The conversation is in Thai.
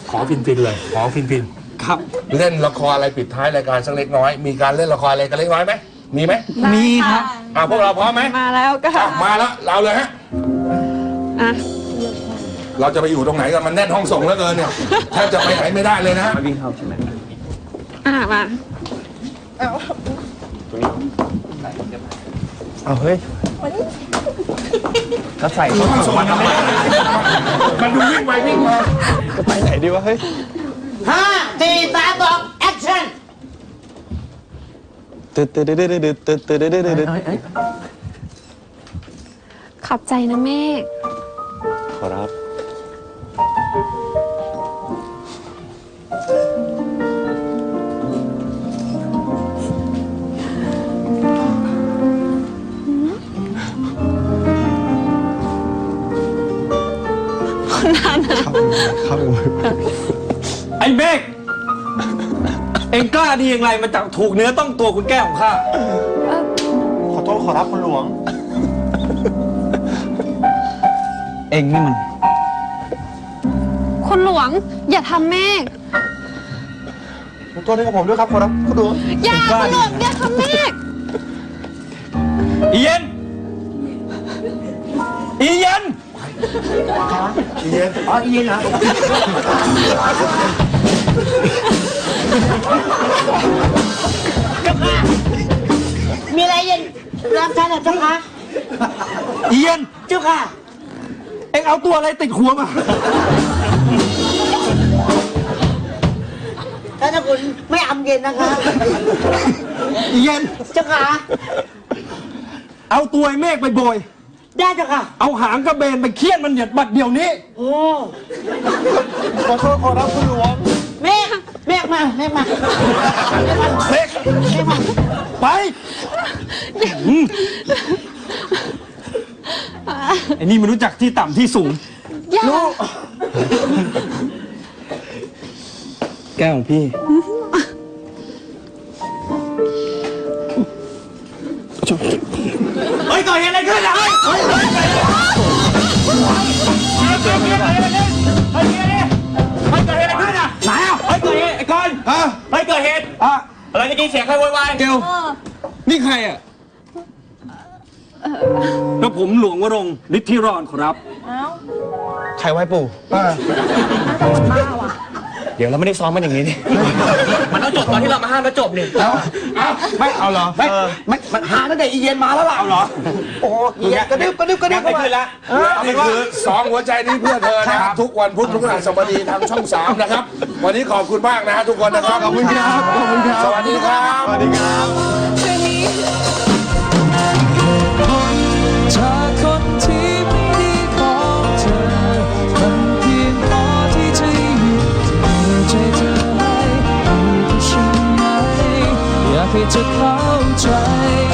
ขอฟินเลยขอฟินครับเล่นละครอะไรปิดท้ายรายการสักเล็กน้อยมีการเล่นละครอะไรกันเล็กน้อยไหมมีไหมมีครับพวกเราพร้อมไหมมาแล้วก็มาแล้วเราเลยฮะอ่ะเราจะไปอยู่ตรงไหนกันมันแน่นห้องส่งแล้วเกินเนี่ยแทบจะไปไหนไม่ได้เลยนะฮะวิ่งเข้าใช่ไหมมาเอาเฮ้ยถ้าใส่ห้องส่งมันทำไมมันดูวิ่งไปวิ่งมาจะไปไหนดีวะเฮ้ย 5 4 3 2 action ตึ๊ดตึ๊ดตึ๊ดตึ๊ดตึ๊ดตึ๊ดตึ๊ดตึ๊ดขอบใจนะเมฆขอรับ ครับไอ้เมฆเอ็งกล้าดีอย่างไรมาจับถูกเนื้อต้องตัวคุณแก้วของข้าขอโทษขอรับคุณหลวง เอ็งนี่มันคุณหลวง อย่าทำเมฆขอโทษให้กับผมด้วยครับขอรับคุณหลวงอย่าคุณหลวงอย่าทำเมฆอีเย็น อีเย็นอ๋ออีเหรอเจ้าค่ะมีอะไรเย็นรับท่านเหรอเจ้าค่ะอีเย็นเจ้าค่ะเอ็งเอาตัวอะไรติดหัวมาท่านคุณไม่อำเย็นนะคะอีเย็นเจ้าค่ะเอาตัวไอ้เมฆไปโบยได้เจ้าค่ะเอาหางกระเบนไปเคี่ยนมันเหยียดบัดเดี๋ยวนี้โอ้ขอโทษขอรับคุณหลวงเมฆมาเมฆมาเมฆมาไปไอ้นี่มันรู้จักที่ต่ำที่สูงอย่าแก้วของพี่ เฮ้ยเกิดเหตุอะไรขึ้นล่ะเฮ้ยเกิดเหตุขึ้นอ่ะไหนอ่ะเฮ้ยเกิดเหตุไอ้กอนเฮ้ยเกิดเหตุอะไรเมื่อกี้เสียงใครโวยวายเกลนี่ใครอ่ะแล้วผมหลวงวรงค์ฤทธิรอนครับใครไว้ปู่ เดี๋ยวเราไม่ได้ซ้อมมันอย่างนี้นี่มันต้องจบตอนที่เรามาห้ามแล้วจบเนี่ยไม่เอาเหรอมันหาตั้งแต่อีเย็นมาแล้วล่ะเอาเหรอโอ้ยกระดึ๊บกระดึ๊บกระดึ๊บไม่ขึ้นละนี่คือ2หัวใจนี้เพื่อเธอนะครับทุกวันพุธพฤหัสบดีทางช่อง 3 นะครับ วันนี้ขอบคุณมากนะฮะทุกคนนะครับขอบคุณครับขอบคุณครับสวัสดีครับสวัสดีครับจากคนที่ไม่ดีของเธอมันเพียงพอที่จะหยุดใจเธอให้อยู่กับฉันไหมอยากให้เธอเข้าใจ